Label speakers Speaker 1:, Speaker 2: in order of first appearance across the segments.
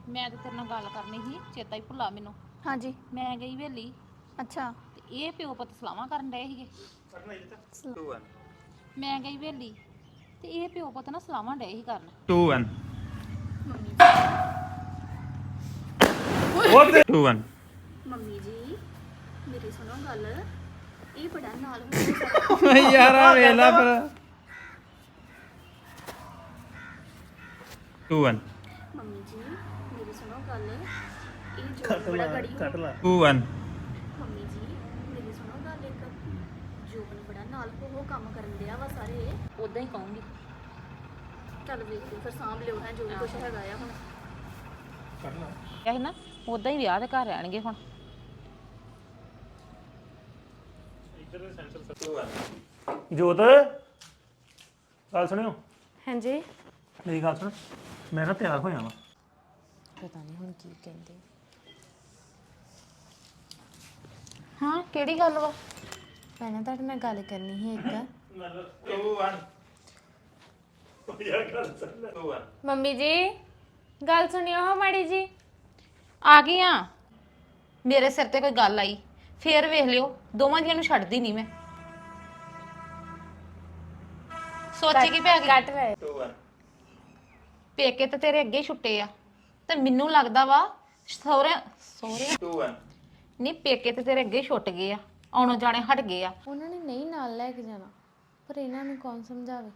Speaker 1: ਮੈਂ ਤੇ ਤੇਰੇ ਨਾਲ ਗੱਲ ਕਰਨੀ ਸੀ, ਚੇਤਾ ਹੀ ਭੁੱਲਾ ਮੈਨੂੰ।
Speaker 2: ਹਾਂਜੀ।
Speaker 1: ਮੈਂ ਗਈ ਵੇਲੀ
Speaker 2: ਅੱਛਾ।
Speaker 1: ਤੇ ਇਹ ਪਿਓ ਪੁੱਤ ਸਲਾਹਾਂ ਕਰਨ ਡਏ ਸੀਗੇ। ਮੈਂ ਗਈ ਵੇਲੀ ਤੇ ਇਹ ਪਿਓ ਪੁੱਤ ਨਾ ਸਲਾਹਾਂ ਡਏ ਸੀ ਕਰਨ।
Speaker 3: 2 1
Speaker 2: ਮੰਮੀ ਜੀ।
Speaker 3: What 2 1
Speaker 2: ਮੰਮੀ ਜੀ ਮੇਰੀ ਸੁਣੋ ਗੱਲ, ਇਹ ਬੜਾ ਨਾਲ ਹੋ
Speaker 3: ਯਾਰ ਆ ਵੇਲਾ ਪਰ 2 1
Speaker 2: ਮੰਮੀ ਜੀ ਮੇਰੀ ਸੁਣੋ ਗੱਲ, ਇਹ ਜੋ ਬੜਾ ਗੜੀ ਹੋ
Speaker 3: 2 1
Speaker 2: ਮੰਮੀ ਜੀ ਮੇਰੀ ਸੁਣੋ ਗੱਲ, ਇੱਕ ਜੋਬਨ ਬੜਾ ਨਾਲ ਹੋ ਕੰਮ ਕਰਨ ਡਿਆ ਵਾ ਸਾਰੇ।
Speaker 1: ਉਦਾਂ ਹੀ ਕਹੂੰਗੀ।
Speaker 2: ਚੱਲ ਵੇਖ ਲਓ ਫਿਰ ਸਾਂਭ ਲਿਓ ਹੈ ਜੋ ਵੀ ਕੁਛ ਹੈਗਾ ਆ ਹੁਣ।
Speaker 1: ਇਹ ਨਾ ਉਦਾਂ ਹੀ ਵਿਆਹ ਦੇ ਘਰ ਰਹਿਣਗੇ ਹੁਣ।
Speaker 4: ਜੋਤ ਗੱਲ ਸੁਣਿਓ।
Speaker 2: ਹਾਂਜੀ।
Speaker 4: ਮੇਰੀ ਗੱਲ ਸੁਣ, ਮੈਂ ਨਾ ਤਿਆਰ ਹੋਇਆ ਵਾਂ।
Speaker 2: ਪਤਾ ਨਹੀਂ ਹੁਣ ਕੀ ਕਹਿੰਦੇ।
Speaker 1: ਹਾਂ ਕਿਹੜੀ ਗੱਲ ਵਾ?
Speaker 2: ਪਹਿਲਾਂ ਤੁਹਾਡੇ ਨਾਲ ਗੱਲ ਕਰਨੀ ਸੀ ਇੱਕ।
Speaker 3: 2 1 2 1
Speaker 2: ਮੰਮੀ ਜੀ ਗੱਲ ਸੁਣਿਓ ਹਾਂ ਮਾੜੀ ਜੀ।
Speaker 1: ਆ ਗਈ ਆ। ਮੇਰੇ ਸਿਰ ਤੇ ਕੋਈ ਗੱਲ ਆਈ ਫੇਰ ਵੇਖ ਲਿਓ, ਦੋਵਾਂ ਜੀਆਂ ਨੂੰ ਛੱਡਦੀ ਨਹੀਂ ਮੈਂ। ਸੋਚੀ ਕੀ ਪੈ ਗਈ?
Speaker 2: ਕੱਟ ਰਹੇ
Speaker 3: 2 1
Speaker 1: ਪੇਕੇ ਤੇ ਤੇਰੇ ਅੱਗੇ ਛੁੱਟੇ ਆ ਤੇ ਮੈਨੂੰ ਲੱਗਦਾ ਵਾ ਸਹੁਰੇ
Speaker 3: 2 1
Speaker 1: ਨਹੀਂ, ਪੇਕੇ ਤੇ ਤੇਰੇ ਅੱਗੇ ਛੁੱਟ ਗਏ ਆ, ਆਉਣੋਂ ਜਾਣੇ ਹਟ ਗਏ ਆ।
Speaker 2: ਉਹਨਾਂ ਨੇ ਨਹੀਂ ਨਾਲ ਲੈ ਕੇ ਜਾਣਾ, ਪਰ ਇਹਨਾਂ ਨੂੰ ਕੌਣ ਸਮਝਾਵੇ।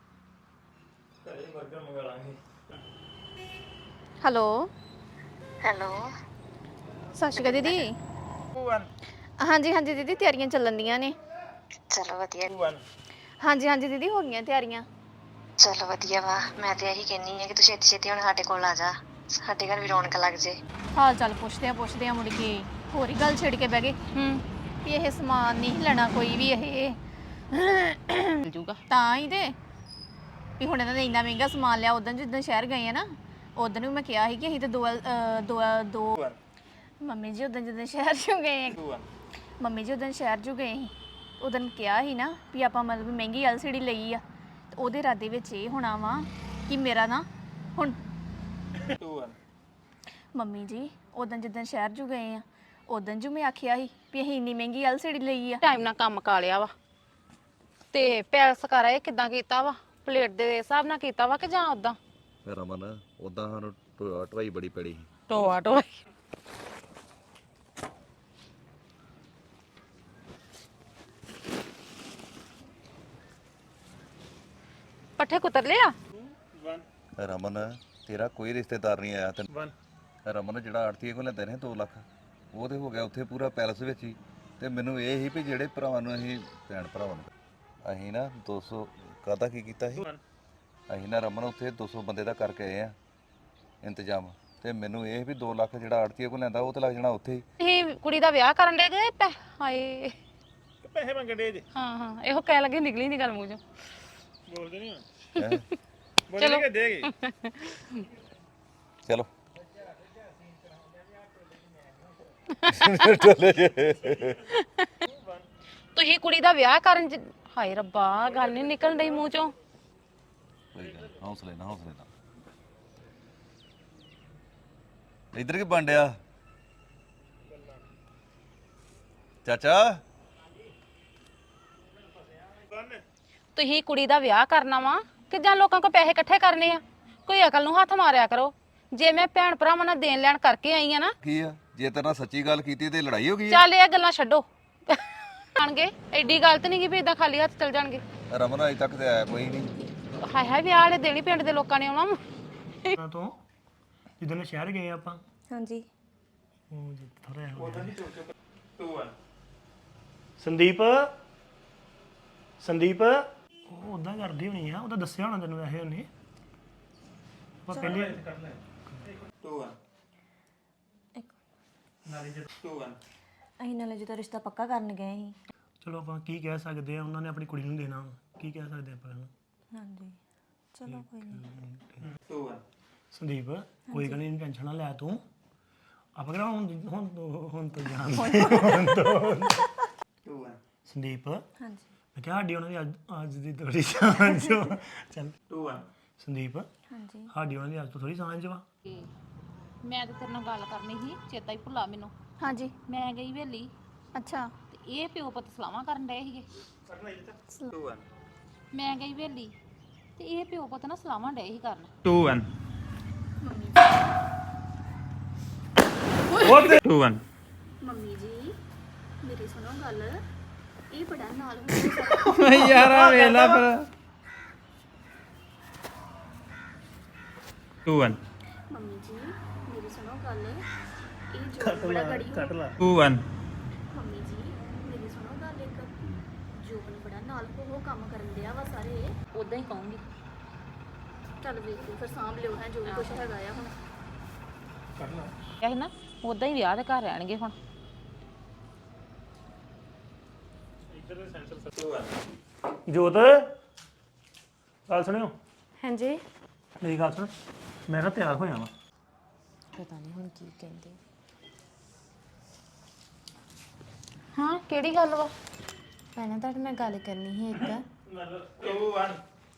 Speaker 2: ਹੈਲੋ ਹੈਲੋ ਸਤਿ ਸ਼੍ਰੀ ਅਕਾਲ ਦੀਦੀ।
Speaker 3: 2 1
Speaker 2: ਹਾਂਜੀ ਹਾਂਜੀ ਦੀਦੀ ਤਿਆਰੀਆਂ ਚੱਲਣ ਦੀਆਂ ਨੇ।
Speaker 5: ਚਲੋ ਵਧੀਆ
Speaker 3: 2 1
Speaker 2: ਹਾਂਜੀ ਹਾਂਜੀ ਦੀਦੀ ਹੋ ਗਈਆਂ ਤਿਆਰੀਆਂ।
Speaker 5: ਚਲੋ ਵਧੀਆ ਵਾ। ਮੈਂ ਤੇ ਇਹੀ ਕਹਿੰਨੀ ਆ ਕਿ ਤੂੰ ਛੇਤੀ ਛੇਤੀ ਹੁਣ ਸਾਡੇ ਕੋਲ ਆ ਜਾ, ਸਾਡੇ ਘਰ ਵੀ ਰੌਣਕ ਲੱਗ ਜੇ।
Speaker 2: ਹਾਲ ਚਾਲ ਪੁੱਛਦੇ ਆ ਮੁੜ ਕੇ ਹੋਰ ਹੀ ਗੱਲ ਛੇੜ ਕੇ ਬਹਿ ਗਏ ਵੀ ਇਹ ਸਮਾਨ ਨਹੀਂ ਲੈਣਾ ਕੋਈ ਵੀ ਇਹ
Speaker 1: ਮਿਲ ਜੂਗਾ
Speaker 2: ਤਾਂ ਹੀ ਤੇ ਵੀ ਹੁਣ ਇਹਨਾਂ ਨੇ ਇੰਨਾ ਮਹਿੰਗਾ ਸਮਾਨ ਲਿਆ। ਉਦੋਂ ਜਿੱਦਾਂ ਸ਼ਹਿਰ ਗਏ ਆ ਨਾ, ਉਦੋਂ ਵੀ ਮੈਂ ਕਿਹਾ ਸੀ ਕਿ ਅਸੀਂ ਤਾਂ ਦੋ ਮੰਮੀ ਜੀ ਉਦੋਂ ਜਦੋਂ ਸ਼ਹਿਰ 'ਚ ਗਏ
Speaker 3: 2 1
Speaker 2: ਮੰਮੀ ਜੀ ਉਦੋਂ ਸ਼ਹਿਰ 'ਚ ਗਏ ਸੀ, ਉਦੋਂ ਕਿਹਾ ਸੀ ਨਾ ਵੀ ਆਪਾਂ ਮਤਲਬ ਮਹਿੰਗੀ LCD ਲਈ ਆ, ਤੇ ਉਹਦੇ ਇਰਾਦੇ ਵਿੱਚ ਇਹ ਹੋਣਾ ਵਾ ਕਿ ਮੇਰਾ ਨਾ ਹੁਣ
Speaker 3: 2 1
Speaker 2: ਮੰਮੀ ਜੀ ਉਦੋਂ ਜਿੱਦਾਂ ਸ਼ਹਿਰ 'ਚ ਗਏ ਆ, ਉਦੋਂ ਜੋ ਮੈਂ ਆਖਿਆ ਸੀ ਵੀ ਅਸੀਂ ਇੰਨੀ ਮਹਿੰਗੀ LCD ਲਈ ਆ।
Speaker 1: ਟਾਈਮ ਨਾਲ ਕੰਮ ਕਾ ਲਿਆ ਵਾ ਤੇ ਪੈਲਸ ਕਰ ਇਹ ਕਿਦਾਂ ਕੀਤਾ ਵਾ? ਪਲੇਟ ਦੇ ਹਿਸਾਬ ਨਾਲ ਕੀਤਾ ਵਾ ਕਿ ਜਾਂ ਉਦਾਂ?
Speaker 6: ਰਮਨ ਉਦਾਂ ਸਾਨੂੰ ਢਵਾਈ ਬੜੀ ਪੜੀ ਸੀ।
Speaker 1: ਟੋਆ ਟੋਆ ਪੱਠੇ ਕੁਤਰ ਲਿਆ?
Speaker 6: ਰਮਨ ਤੇਰਾ ਕੋਈ ਰਿਸ਼ਤੇਦਾਰ ਨਹੀਂ ਆਇਆ ਤੇ
Speaker 3: 1
Speaker 6: ਰਮਨ ਜਿਹੜਾ ਆੜਤੀਏ ਕੋਲ ਲੈਂਦੇ ਨੇ 2 ਲੱਖ, ਉਹ ਤੇ ਹੋ ਗਿਆ ਉੱਥੇ ਪੂਰਾ ਪੈਲਸ ਵਿੱਚ ਹੀ। ਤੇ ਮੈਨੂੰ ਇਹ ਸੀ ਵੀ ਜਿਹੜੇ ਭਰਾਵਾਂ ਨੂੰ ਅਸੀਂ ਭੈਣ ਭਰਾਵਾਂ ਨੂੰ ਅਸੀਂ ਨਾ 200 ਕਾਹਦਾ ਕੀ ਕੀਤਾ ਸੀ, ਅਸੀਂ ਨਾ ਰਮਨ ਉੱਥੇ 200 ਬੰਦੇ ਦਾ ਕਰਕੇ ਆਏ ਆ ਇੰਤਜ਼ਾਮ। ਤੇ ਮੈਨੂੰ ਇਹ ਵੀ 2 ਲੱਖ ਜਿਹੜਾ ਆੜਤੀਏ ਕੋਲ ਲੈਂਦਾ ਉਹ ਤੇ ਲੱਗ ਜਾਣਾ ਉੱਥੇ ਹੀ।
Speaker 1: ਇਹ ਕੁੜੀ ਦਾ ਵਿਆਹ ਕਰਨ ਦੇ ਗਏ ਹਾਏ।
Speaker 3: ਪੈਸੇ ਮੰਗਣ ਦੇ ਜੇ
Speaker 1: ਹਾਂ ਹਾਂ ਇਹੋ ਕਹਿ ਲੱਗੇ, ਨਿਕਲੀ ਨਹੀਂ ਗੱਲ ਮੂੰਹ ਚੋਂ।
Speaker 3: ਬੋਲਦੇ ਨਹੀਂ
Speaker 6: ਹੈਂ?
Speaker 3: ਬੋਲਦੇ ਕਿ ਦੇਗੇ
Speaker 6: ਚਲੋ
Speaker 1: ਤੁਸੀਂ ਕੁੜੀ ਦਾ ਵਿਆਹ ਕਰਨ ਹਾਏ ਰੱਬਾ ਗੱਲ ਨਹੀਂ ਨਿਕਲਣ ਡਈ ਮੂੰਹ ਚੋਂ।
Speaker 6: ਕੋਈ ਗੱਲ ਨੀ, ਹੌਸਲੇ ਨਾਲ ਹੌਸਲੇ ਨਾਲ। ਇੱਧਰ ਕੀ ਬਣ ਡਿਆ ਚਾਚਾ?
Speaker 1: ਤੁਸੀਂ ਕੁੜੀ ਦਾ ਵਿਆਹ ਕਰਨਾ ਵਾ ਕਿ ਜਾਂ ਲੋਕਾਂ ਕੋਲ ਪੈਸੇ ਇਕੱਠੇ ਕਰਨੇ ਆ? ਕੋਈ ਅਕਲ ਨੂੰ ਹੱਥ ਮਾਰਿਆ ਕਰੋ। ਜੇ ਮੈਂ ਭੈਣ ਭਰਾਵਾਂ ਨਾਲ ਦੇਣ ਲੈਣ ਕਰਕੇ ਆਈ ਆ ਨਾ,
Speaker 6: ਕੀ ਆ ਜੇ ਤੇਰੇ ਨਾਲ ਸੱਚੀ ਗੱਲ ਕੀਤੀ ਤੇ ਲੜਾਈ ਹੋ ਗਈ ਆ?
Speaker 1: ਚੱਲ ਇਹ ਗੱਲਾਂ ਛੱਡੋ। ਆਣਗੇ ਐਡੀ ਗੱਲ ਤੇ ਨਹੀਂ ਕਿ ਵੀ ਇਦਾਂ ਖਾਲੀ ਹੱਥ ਚਲ ਜਾਣਗੇ।
Speaker 6: ਰਮਨ ਅਜੇ ਤੱਕ ਤੇ ਆਇਆ ਕੋਈ ਨਹੀਂ।
Speaker 1: ਹਾਏ ਹਾਏ ਵਿਆਹ ਵਾਲੇ ਦੇਣੀ ਪਿੰਡ ਦੇ ਲੋਕਾਂ ਨੇ ਆਉਣਾ ਵਾ।
Speaker 4: ਨਾ ਤੋਂ ਜਿੱਦਣ ਸ਼ਹਿਰ ਗਏ ਆਪਾਂ,
Speaker 2: ਹਾਂਜੀ
Speaker 4: ਉਹ ਜਿੱਥੇ ਥੋੜਾ ਜਿਹਾ
Speaker 3: 2 1
Speaker 4: ਸੰਦੀਪ ਸੰਦੀਪ ਉਹ ਉਦਾਂ ਕਰਦੀ ਹੋਣੀ ਆ, ਉਹਦਾ ਦੱਸਿਆ ਹੋਣਾ ਤੈਨੂੰ ਵੈਸੇ ਉਹਨੇ। ਆਪਾਂ ਪਹਿਲੇ
Speaker 3: 2 1 2 1
Speaker 2: ਅਸੀਂ ਨਾਲੇ ਜਦੋਂ ਰਿਸ਼ਤਾ ਪੱਕਾ ਕਰਨ ਗਏ ਸੀ।
Speaker 4: ਚਲੋ ਆਪਾਂ ਕੀ ਕਹਿ ਸਕਦੇ ਆ, ਉਹਨਾਂ ਨੇ ਆਪਣੀ ਕੁੜੀ ਨੂੰ ਦੇਣਾ ਵਾ, ਕੀ ਕਹਿ ਸਕਦੇ ਆਪਾਂ ਇਹਨੂੰ।
Speaker 2: ਹਾਂਜੀ ਚਲੋ ਕੋਈ ਨਹੀਂ।
Speaker 3: 2 1
Speaker 4: ਸੰਦੀਪ ਕੋਈ ਗੱਲ ਨਹੀਂ, ਟੈਨਸ਼ਨ ਨਾ ਲੈ ਤੂੰ। ਆਪਾਂ ਕਿਹੜਾ ਹੁਣ ਤੋਂ ਜਾਣ
Speaker 3: 2 1
Speaker 4: ਸੰਦੀਪ
Speaker 2: ਹਾਂਜੀ
Speaker 4: ਮੈਂ ਕਿਹਾ ਸਾਡੀ ਉਹਨਾਂ ਦੀ ਅੱਜ ਦੀ ਥੋੜੀ ਸਾਂਝ ਵਾ। ਚੱਲ
Speaker 3: 2 1
Speaker 4: ਸੰਦੀਪ
Speaker 2: ਹਾਂਜੀ
Speaker 4: ਸਾਡੀ ਉਹਨਾਂ ਦੀ ਅੱਜ ਤੋਂ ਥੋੜੀ ਸਾਂਝ ਵਾ।
Speaker 1: ਮੈਂ ਤਾਂ ਤੇਰੇ ਨਾਲ ਗੱਲ ਕਰਨੀ ਸੀ, ਚੇਤਾ ਹੀ ਭੁੱਲਾ ਮੈਨੂੰ।
Speaker 2: ਹਾਂਜੀ
Speaker 1: ਮੈਂ ਗਈ ਵੇਲੀ
Speaker 2: ਅੱਛਾ
Speaker 1: ਤੇ ਇਹ ਪਿਓ ਪੁੱਤ ਸਲਾਹਾਂ ਕਰਨ ਡਏ ਸੀਗੇ।
Speaker 3: 2 1
Speaker 1: ਮੈਂ ਗਈ ਵੇਲੀ ਤੇ ਇਹ ਪਿਓ ਪੁੱਤ ਨਾ ਸਲਾਹਾਂ ਡਏ ਸੀ ਕਰਨ।
Speaker 3: 2 1 2 1
Speaker 2: ਮੰਮੀ ਜੀ ਮੇਰੀ ਸੁਣੋ ਗੱਲ ਇਹ ਬੜਾ ਨਾਲ ਹੋ
Speaker 3: ਯਾਰ ਆ ਵੇਲਾ ਫਿਰ 2 1
Speaker 2: ਮੰਮੀ ਜੀ ਮੇਰੀ ਸੁਣੋ ਗੱਲ ਇਹ ਜੋ ਬੜਾ ਗੜੀ ਹੋ
Speaker 3: 2 1
Speaker 2: ਮੰਮੀ ਜੀ ਮੇਰੀ ਸੁਣੋ ਗੱਲ ਇੱਕ ਜੋਬਨ ਬੜਾ ਨਾਲ ਉਹ ਕੰਮ ਕਰਨ ਡਿਆ ਵਾ ਸਾਰੇ
Speaker 1: ਉਦਾਂ ਹੀ ਕਹੂੰਗੀ।
Speaker 2: ਚੱਲ ਵੇਖ ਲਓ ਫਿਰ ਸਾਂਭ ਲਿਓ ਹੈ ਜੋ ਵੀ ਕੁਛ ਹੈਗਾ ਆ ਹੁਣ
Speaker 1: ਕਿਹਾ ਸੀ ਨਾ ਉਦਾਂ ਹੀ ਵਿਆਹ ਦੇ ਘਰ ਰਹਿਣਗੇ ਹੁਣ।
Speaker 3: 2 1
Speaker 4: ਜੋਤ ਗੱਲ ਸੁਣਿਓ
Speaker 7: ਹਾਂਜੀ
Speaker 4: ਮੇਰੀ ਗੱਲ ਸੁਣ ਮੈਂ ਨਾ ਤਿਆਰ ਹੋਇਆ ਵਾਂ
Speaker 7: ਪਤਾ ਨਹੀਂ ਹੁਣ ਕੀ ਕਹਿੰਦੇ
Speaker 1: ਹਾਂ ਕਿਹੜੀ ਗੱਲ ਵਾ?
Speaker 7: ਪਹਿਲਾਂ ਤੁਹਾਡੇ ਨਾਲ ਗੱਲ ਕਰਨੀ ਸੀ ਇੱਕ
Speaker 3: 2 1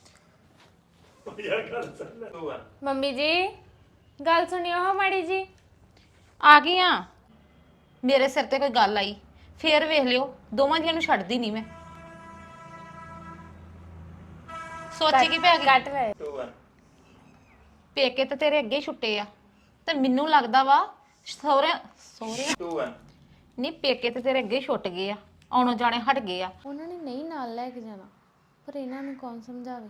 Speaker 3: 2 1
Speaker 7: ਮੰਮੀ ਜੀ ਗੱਲ ਸੁਣਿਓ ਹੋ ਮਾੜੀ ਜੀ
Speaker 1: ਆ ਗਈ ਆ। ਮੇਰੇ ਸਿਰ ਤੇ ਕੋਈ ਗੱਲ ਆਈ ਫੇਰ ਵੇਖ ਲਿਓ, ਦੋਵਾਂ ਜੀਆਂ ਨੂੰ ਛੱਡਦੀ ਨਹੀਂ ਮੈਂ। ਸੋਚੀ ਕੀ ਪੈ ਗਈ?
Speaker 7: ਕੱਟ ਰਹੇ
Speaker 3: 2 1
Speaker 1: ਪੇਕੇ ਤੇ ਤੇਰੇ ਅੱਗੇ ਹੀ ਛੁੱਟੇ ਆ ਤੇ ਮੈਨੂੰ ਲੱਗਦਾ ਵਾ ਸਹੁਰੇ ਸਹੁਰੇ
Speaker 3: 2 1
Speaker 1: ਨਹੀਂ, ਪੇਕੇ ਤੇ ਤੇਰੇ ਅੱਗੇ ਹੀ ਛੁੱਟ ਗਏ ਆ, ਆਉਣੋਂ ਜਾਣੇ ਹਟ ਗਏ ਆ।
Speaker 7: ਉਹਨਾਂ ਨੇ ਨਹੀਂ ਨਾਲ ਲੈ ਕੇ ਜਾਣਾ ਪਰ ਇਹਨਾਂ ਨੂੰ ਕੌਣ ਸਮਝਾਵੇ।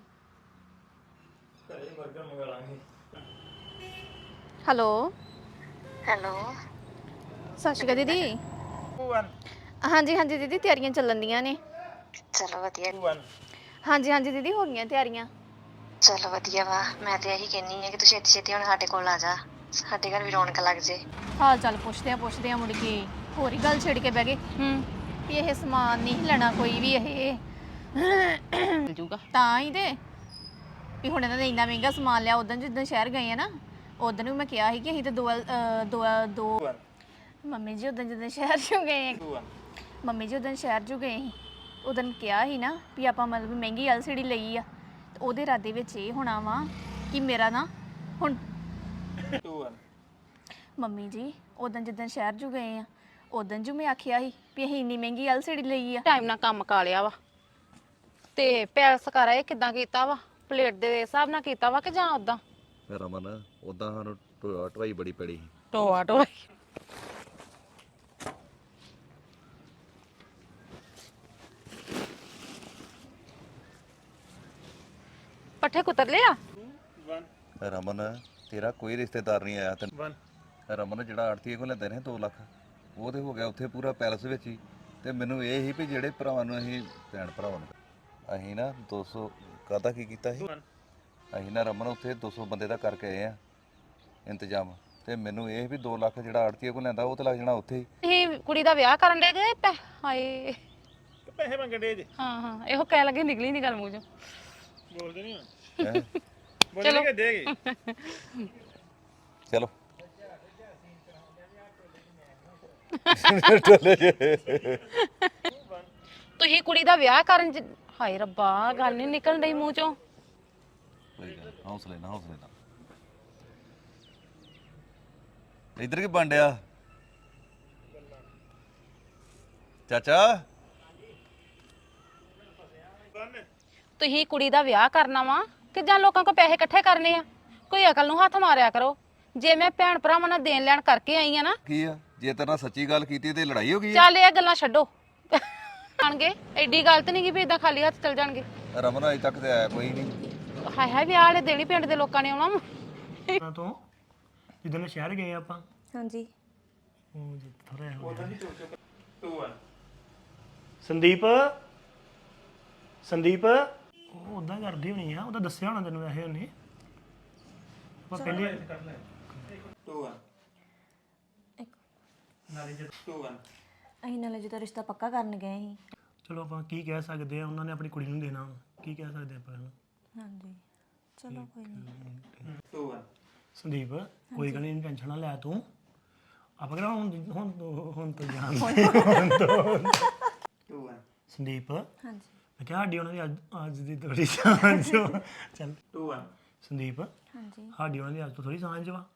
Speaker 2: ਹੈਲੋ
Speaker 5: ਹੈਲੋ
Speaker 2: ਸਤਿ ਸ਼੍ਰੀ ਅਕਾਲ ਦੀਦੀ
Speaker 3: 2 1
Speaker 2: ਹਾਂਜੀ ਹਾਂਜੀ ਦੀਦੀ ਤਿਆਰੀਆਂ ਚੱਲਣ ਦੀਆਂ ਨੇ
Speaker 5: ਚਲੋ ਵਧੀਆ
Speaker 3: 2 1
Speaker 2: ਹਾਂਜੀ ਹਾਂਜੀ ਦੀਦੀ ਹੋ ਗਈਆਂ ਤਿਆਰੀਆਂ
Speaker 5: ਚਲੋ ਵਧੀਆ ਵਾ ਮੈਂ ਤੇ ਇਹੀ ਕਹਿੰਨੀ ਆ ਕਿ ਤੂੰ ਛੇਤੀ ਛੇਤੀ ਹੁਣ ਸਾਡੇ ਕੋਲ ਆ ਜਾ, ਸਾਡੇ ਘਰ ਵੀ ਰੌਣਕ ਲੱਗ ਜੇ।
Speaker 2: ਹਾਲ ਚਾਲ ਪੁੱਛਦੇ ਆ ਮੁੜ ਕੇ ਹੋਰ ਹੀ ਗੱਲ ਛੇੜ ਕੇ ਬਹਿ ਗਏ ਵੀ ਇਹ ਸਮਾਨ ਨਹੀਂ ਲੈਣਾ ਕੋਈ ਵੀ ਇਹ
Speaker 1: ਮਿਲ ਜੂਗਾ।
Speaker 2: ਤਾਂ ਹੀ ਤੇ ਵੀ ਹੁਣ ਇਹਨਾਂ ਨੇ ਇੰਨਾ ਮਹਿੰਗਾ ਸਮਾਨ ਲਿਆ ਉਦੋਂ ਜਿੱਦਾਂ ਸ਼ਹਿਰ ਗਏ ਆ ਨਾ ਉਦੋਂ ਵੀ ਮੈਂ ਕਿਹਾ ਸੀ ਕਿ ਅਸੀਂ ਤਾਂ ਦੋ
Speaker 3: 2 1
Speaker 2: ਮੰਮੀ ਜੀ ਉਦੋਂ ਜਦੋਂ ਸ਼ਹਿਰ ਚੋਂ ਗਏ
Speaker 3: 2 1
Speaker 2: ਮੰਮੀ ਜੀ ਉਦੋਂ ਸ਼ਹਿਰ ਚੋਂ ਗਏ ਸੀ ਉਦੋਂ ਕਿਹਾ ਸੀ ਨਾ ਵੀ ਆਪਾਂ ਮਤਲਬ ਮਹਿੰਗੀ LCD ਲਈ ਆ ਤੇ ਉਹਦੇ ਇਰਾਦੇ ਵਿੱਚ ਇਹ ਹੋਣਾ ਵਾ ਕਿ ਮੇਰਾ ਨਾ ਹੁਣ
Speaker 3: 2 1
Speaker 2: ਮੰਮੀ ਜੀ ਉਦੋਂ ਜਦੋਂ ਸ਼ਹਿਰ ਚੋਂ ਗਏ ਆ ਉਦੋਂ ਜੋ ਮੈਂ ਆਖਿਆ ਸੀ ਵੀ ਅਸੀਂ ਇੰਨੀ ਮਹਿੰਗੀ LCD ਲਈ ਆ
Speaker 1: ਟਾਈਮ ਨਾਲ ਕੰਮ ਕਾ ਲਿਆ ਵਾ ਤੇ ਪੈਲਸ ਕਰਾ ਇਹ ਕਿਦਾਂ ਕੀਤਾ ਵਾ? ਪਲੇਟ ਦੇ ਹਿਸਾਬ ਨਾਲ ਕੀਤਾ ਵਾ ਕਿ ਜਾਂ ਉਦਾਂ?
Speaker 6: ਰਮਨ ਉਦਾਂ ਸਾਨੂੰ ਢਵਾਈ ਬੜੀ ਪੜੀ ਸੀ
Speaker 1: ਟੋਆ ਟੋਆ ਪੱਠੇ ਕੁਤਰ ਲਿਆ?
Speaker 3: 1
Speaker 6: ਰਮਨ ਤੇਰਾ ਕੋਈ ਰਿਸ਼ਤੇਦਾਰ ਨਹੀਂ ਆਇਆ ਤੈਨੂੰ
Speaker 3: 1
Speaker 6: ਰਮਨ ਜਿਹੜਾ ਆੜਤੀਏ ਕੋਲ ਲੈਂਦੇ ਨੇ 2 ਲੱਖ ਉਹ ਤੇ ਹੋ ਗਿਆ ਉੱਥੇ ਪੂਰਾ ਪੈਲਸ ਵਿੱਚ ਹੀ ਤੇ ਮੈਨੂੰ ਇਹ ਹੀ ਵੀ ਜਿਹੜੇ ਭਰਾਵਾਂ ਨੂੰ ਅਸੀਂ ਭੈਣ ਭਰਾਵਾਂ ਨੂੰ ਅਸੀਂ ਨਾ 200 ਕਾਹਦਾ ਕੀ ਕੀਤਾ ਸੀ ਅਸੀਂ ਨਾ ਰਮਨ ਉੱਥੇ 200 ਬੰਦੇ ਦਾ ਕਰਕੇ ਆਏ ਆ ਇੰਤਜ਼ਾਮ ਤੇ ਮੈਨੂੰ ਇਹ ਵੀ 2 ਲੱਖ ਜਿਹੜਾ ਆੜਤੀਏ ਕੋਲ ਲੈਂਦਾ ਉਹ ਤੇ ਲੱਗ ਜਾਣਾ ਉੱਥੇ ਹੀ
Speaker 1: ਇਹ ਕੁੜੀ ਦਾ ਵਿਆਹ ਕਰਨ ਦੇ ਗਏ ਹਾਏ
Speaker 3: ਪੈਸੇ ਮੰਗਣ ਦੇ ਜੇ
Speaker 1: ਹਾਂ ਹਾਂ ਇਹੋ ਕਹਿ ਲੱਗੇ ਨਿਕਲੀ ਨਹੀਂ ਗੱਲ ਮੂੰਹ ਚੋਂ।
Speaker 3: ਬੋਲਦੇ ਨਹੀਂ
Speaker 6: ਹੈਂ?
Speaker 3: ਬੋਲਦੇ ਕਿ ਦੇਗੇ
Speaker 6: ਚਲੋ
Speaker 1: ਤੁਸੀਂ ਕੁੜੀ ਦਾ ਵਿਆਹ ਕਰਨ ਹਾਏ ਰੱਬਾ ਗੱਲ ਨਹੀਂ ਨਿਕਲਣ ਡਈ ਮੂੰਹ ਚੋਂ।
Speaker 6: ਕੋਈ ਗੱਲ ਨੀ, ਹੌਸਲੇ ਨਾਲ ਇੱਧਰ ਕੀ ਬਣ ਡਿਆ ਚਾਚਾ
Speaker 1: ਤੁਸੀਂ ਕੁੜੀ ਦਾ ਵਿਆਹ ਕਰਨਾ ਵਾ ਕਿ ਜਾਂ ਲੋਕਾਂ ਕੋਲ ਪੈਸੇ ਇਕੱਠੇ ਕਰਨੇ ਆ? ਕੋਈ ਅਕਲ ਨੂੰ ਹੱਥ ਮਾਰਿਆ ਕਰੋ। ਜੇ ਮੈਂ ਭੈਣ ਭਰਾਵਾਂ ਨਾਲ ਦੇਣ ਲੈਣ ਕਰਕੇ ਆਈ ਆ ਨਾ,
Speaker 6: ਕੀ ਆ ਜੇ ਤੇਰੇ ਨਾਲ ਸੱਚੀ ਗੱਲ ਕੀਤੀ ਤੇ ਲੜਾਈ ਹੋ ਗਈ ਆ?
Speaker 1: ਚੱਲ ਇਹ ਗੱਲਾਂ ਛੱਡੋ। ਆਣਗੇ ਐਡੀ ਗਲਤ ਨਹੀਂ ਕਿ ਵੀ ਇਦਾਂ ਖਾਲੀ ਹੱਥ ਚਲ ਜਾਣਗੇ।
Speaker 6: ਰਮਨ ਅਜੇ ਤੱਕ ਤੇ ਆਇਆ ਕੋਈ ਨਹੀਂ
Speaker 1: ਹਾਏ ਹਾਏ ਵਿਆਹ ਵਾਲੇ ਦੇਣੀ ਪਿੰਡ ਦੇ ਲੋਕਾਂ ਨੇ ਆਉਣਾ ਵਾ।
Speaker 4: ਨਾ ਤੋਂ ਜਿੱਦਣ ਸ਼ਹਿਰ ਗਏ ਆਪਾਂ
Speaker 7: ਹਾਂਜੀ
Speaker 4: ਉਹ ਥੋੜਾ ਹੋ ਗਿਆ
Speaker 3: 2 1
Speaker 4: ਸੰਦੀਪ ਸੰਦੀਪ ਉਹ ਉਦਾਂ ਕਰਦੀ ਹੋਣੀ ਆ, ਉਹਦਾ ਦੱਸਿਆ ਹੋਣਾ ਤੈਨੂੰ ਵੈਸੇ ਉਹਨੇ। ਆਪਾਂ ਪਹਿਲੇ
Speaker 3: 2 1 2 1
Speaker 7: ਅਸੀਂ ਨਾਲੇ ਜਦੋਂ ਰਿਸ਼ਤਾ ਪੱਕਾ ਕਰਨ ਗਏ ਸੀ
Speaker 4: ਚਲੋ ਆਪਾਂ ਕੀ ਕਹਿ ਸਕਦੇ ਆ, ਉਹਨਾਂ ਨੇ ਆਪਣੀ ਕੁੜੀ ਨੂੰ ਦੇਣਾ ਵਾ, ਕੀ ਕਹਿ ਸਕਦੇ ਆਪਾਂ ਇਹਨੂੰ।
Speaker 7: ਹਾਂਜੀ ਚਲੋ ਕੋਈ ਨਹੀਂ
Speaker 3: 2 1
Speaker 4: ਸੰਦੀਪ ਕੋਈ ਗੱਲ ਨਹੀਂ, ਟੈਨਸ਼ਨ ਨਾ ਲੈ ਤੂੰ। ਆਪਾਂ ਕਿਹੜਾ ਹੁਣ ਤੋਂ ਜਾਣ
Speaker 3: 2 1
Speaker 4: ਸੰਦੀਪ
Speaker 7: ਹਾਂਜੀ
Speaker 4: ਮੈਂ ਕਿਹਾ ਸਾਡੀ ਉਹਨਾਂ ਦੀ ਅੱਜ ਦੀ ਥੋੜੀ ਸਾਂਝ ਵਾ। ਚੱਲ
Speaker 3: 2 1
Speaker 4: ਸੰਦੀਪ
Speaker 7: ਹਾਂਜੀ
Speaker 4: ਸਾਡੀ ਉਹਨਾਂ ਦੀ ਅੱਜ ਤੋਂ ਥੋੜੀ ਸਾਂਝ ਵਾ।